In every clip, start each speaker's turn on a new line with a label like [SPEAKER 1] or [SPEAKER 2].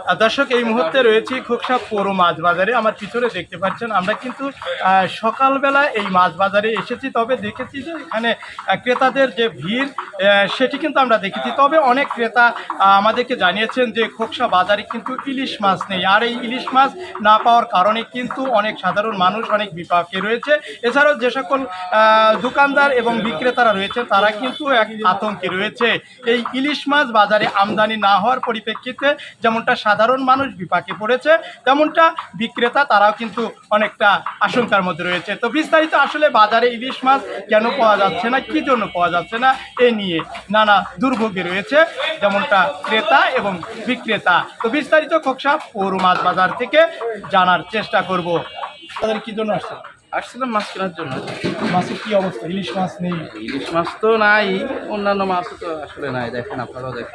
[SPEAKER 1] দর্শক, এই মুহূর্তে রয়েছি খোকসা পৌর মাছ বাজারে। আমার পিছনে দেখতে পাচ্ছেন আমরা কিন্তু সকালবেলা এই মাছ বাজারে এসেছি। তবে দেখেছি যে এখানে ক্রেতাদের যে ভিড় সেটি কিন্তু আমরা দেখেছি। তবে অনেক ক্রেতা আমাদেরকে জানিয়েছেন যে খোকসা বাজারে কিন্তু ইলিশ মাছ নেই। আর এই ইলিশ মাছ না পাওয়ার কারণে কিন্তু অনেক সাধারণ মানুষ অনেক বিপাকে রয়েছে। এছাড়াও যে সকল দোকানদার এবং বিক্রেতারা রয়েছে তারা কিন্তু এক আতঙ্কে রয়েছে। এই ইলিশ মাছ বাজারে আমদানি না হওয়ার পরিপ্রেক্ষিতে যেমনটা সাধারণ মানুষ বিপাকে পড়েছে, তেমনটা বিক্রেতা তারাও কিন্তু অনেকটা আশঙ্কার মধ্যে রয়েছে। তো বিস্তারিত আসলে বাজারে ইলিশ মাছ কেন পাওয়া যাচ্ছে না, কী জন্য পাওয়া যাচ্ছে না, এ নিয়ে নানা দুর্ভোগে রয়েছে যেমনটা ক্রেতা এবং বিক্রেতা। তো বিস্তারিত খোকসা পৌর মাছ বাজার থেকে জানার চেষ্টা করব। তাদের কী জন্য আসছে?
[SPEAKER 2] আসছিলাম মাছ কেনার জন্য।
[SPEAKER 1] মাছের কী অবস্থা? ইলিশ মাছ নেই?
[SPEAKER 2] ইলিশ মাছ তো নাই, অন্যান্য মাছও তো আসলে নাই। দেখেন, আপনারাও দেখেন।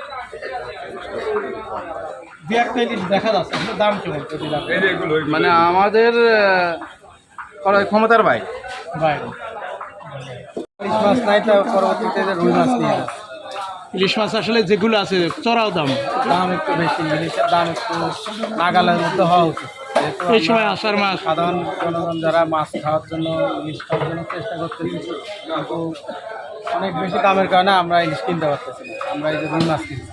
[SPEAKER 1] দু একটা ইলিশ দেখা যাচ্ছে, দাম কেমন?
[SPEAKER 2] মানে আমাদের ক্রয় ক্ষমতার বাইরে।
[SPEAKER 1] ইলিশ মাছ নাই, তো পরবর্তীতে রুই মাছ নিয়ে আসে। ইলিশ মাছ আসলে যেগুলো আছে চড়াও দাম একটু বেশি। ইলিশের দাম একটু নাগালের মধ্যে হওয়া উচিত। এই সময় আষাঢ় মাস, সাধারণ জনগণ যারা মাছ খাওয়ার জন্য ইলিশ খাওয়ার জন্য চেষ্টা করতেছি, কিন্তু অনেক বেশি দামের কারণে আমরা ইলিশ কিনতে পারতেছি না। আমরা এই যে রুই মাছ কিনছি।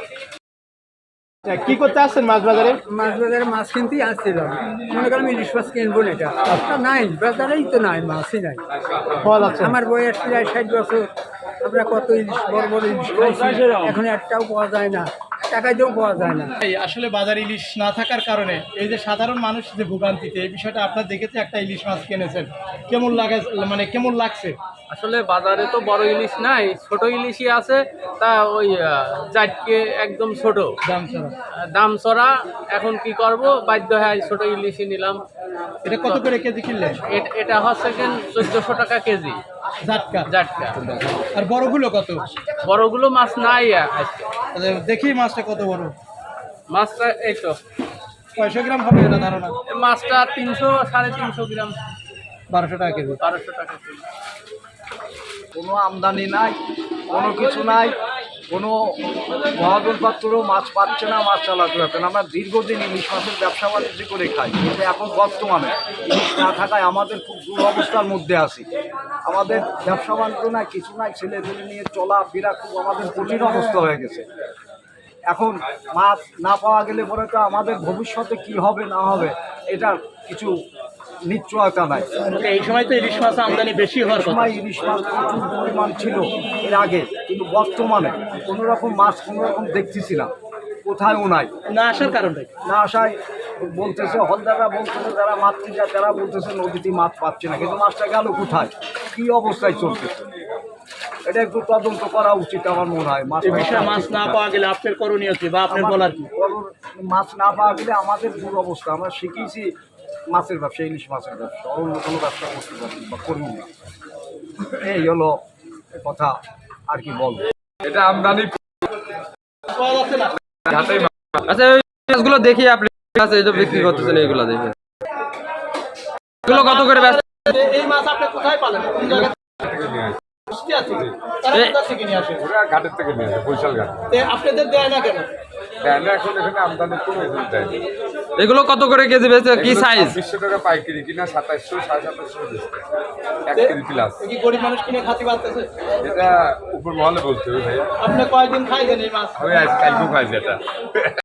[SPEAKER 1] কি করতে আসছেন মাছ বাজারে?
[SPEAKER 3] মাছ বাজারে মাছ কিনতেই আসছিলাম। মনে করলাম ইলিশ মাছ কিনবো না, এটা নাই, বাজারেই তো নাই, মাছই নাই। আমার বয়স প্রায় 60 বছর। আমরা কত ইলিশ, বড় বড় ইলিশ খাইছি, এখন একটাও পাওয়া যায় না, টাকা দিয়েও পাওয়া যায় না।
[SPEAKER 1] আসলে বাজারে ইলিশ না থাকার কারণে এই যে সাধারণ মানুষ যে ভোগান্তিতে, এই বিষয়টা আপনার দেখেছে। একটা ইলিশ মাছ কিনেছেন, কেমন লাগে, মানে কেমন লাগছে?
[SPEAKER 4] আসলে বাজারে তো বড় ইলিশ নাই, ছোট ইলিশই আছে। তা ওই জাটকে একদম ছোট, দাম চড়া। এখন কি করব, বাধ্য হয় ছোট ইলিশই নিলাম।
[SPEAKER 1] এটা কত করে কেজি কিনলেন?
[SPEAKER 4] এটা হচ্ছে 1400 টাকা কেজি
[SPEAKER 1] জাটকা।
[SPEAKER 4] জাটকা।
[SPEAKER 1] আর বড়গুলো কত?
[SPEAKER 4] বড়গুলো মাছ নাই আজকে।
[SPEAKER 1] দেখি মাছটা কত বড়।
[SPEAKER 4] মাছটা এই তো
[SPEAKER 1] 600 গ্রাম হবে এটা ধারণা।
[SPEAKER 4] মাছটা 300 350 গ্রাম,
[SPEAKER 1] 1200 টাকা কেজি।
[SPEAKER 4] 1200 টাকা কেজি।
[SPEAKER 5] কোনো আমদানি নাই, কোনো কিছু নাই, কোনো মহাজন পাত্রও মাছ পাচ্ছে না, মাছ চালাতে পারছে না। আমরা দীর্ঘদিন ইলিশ মাছের ব্যবসা বাণিজ্য করে খাই, কিন্তু এখন বর্তমানে ইলিশ না থাকায় আমাদের খুব দুরবস্থার মধ্যে আছি। আমাদের ব্যবসা বাণিজ্য নাই, কিছু নাই, ছেলেদের নিয়ে চলাফেরা খুব আমাদের কঠিন অবস্থা হয়ে গেছে। এখন মাছ না পাওয়া গেলে পরে তো আমাদের ভবিষ্যতে কি হবে না হবে এটার কিছু নিশ্চয়তা নাই।
[SPEAKER 1] এই সময় তো ইলিশ মাছ আমদানি বেশি হওয়ার কথা।
[SPEAKER 5] সময় ইলিশ মাছ প্রচুর পরিমাণ ছিল এর আগে, কিন্তু বর্তমানে কোনো রকম মাছ কোনো রকম দেখতেছি না, কোথায়ও নাই।
[SPEAKER 1] না আসার কারণে,
[SPEAKER 5] না আসায় বলতেছে, হলদাররা বলতেছে, যারা মাছ কিনছে তারা বলতেছে নদীতে মাছ পাচ্ছে না, কিন্তু মাছটা গেল কোথায়, কী অবস্থায় চলতেছে, এটা একটু তদন্ত করা উচিত আমার মনে হয়।
[SPEAKER 1] মাছ না পাওয়া গেলে আপনার করণীয় কি, বা আপনার বলার কি?
[SPEAKER 5] মাছ না পাওয়া গেলে আমাদের দুরবস্থা। আমরা শিখেছি মাছের ব্যবসা, ইলিশ মাছের ব্যবসা, অন্য কোনো ব্যবসা করতে পারছি বা করব না। এই হলো কথা, আর কি বলবো।
[SPEAKER 6] এটা আমদানি
[SPEAKER 2] আচ্ছা, ওই মাছগুলো দেখি আপনি বিক্রি করতেছেন, এইগুলো দেখে এগুলো কত করে ব্যস্ত?
[SPEAKER 1] এই মাছ আপনি কোথায় পালেন? কোন জায়গা
[SPEAKER 6] থেকে নিয়ে আসে?
[SPEAKER 1] বৃষ্টি আছে, তারা কোথা থেকে নিয়ে আসে?
[SPEAKER 6] ওরা ঘাটের থেকে নিয়ে আসে, বৈশাল ঘাট।
[SPEAKER 1] আপনাদের দেয় না কেন?
[SPEAKER 6] দেয় না, এখন এখানে আমদানি কমে দেয়।
[SPEAKER 2] এগুলো কত করে কেজি বেচে, কি সাইজ?
[SPEAKER 6] 20 টাকা পাইকারি কিনা, 2700 2750 1 কেজি প্লাস।
[SPEAKER 1] কি গরিব মানুষ কিনে খাতে পারতেছে?
[SPEAKER 6] এটা উপর মহলে বলতে হবে ভাইয়া।
[SPEAKER 1] আপনি কয়দিন খাইছেন এই মাছ?
[SPEAKER 6] আমি আজ কালকেও খাইছি এটা।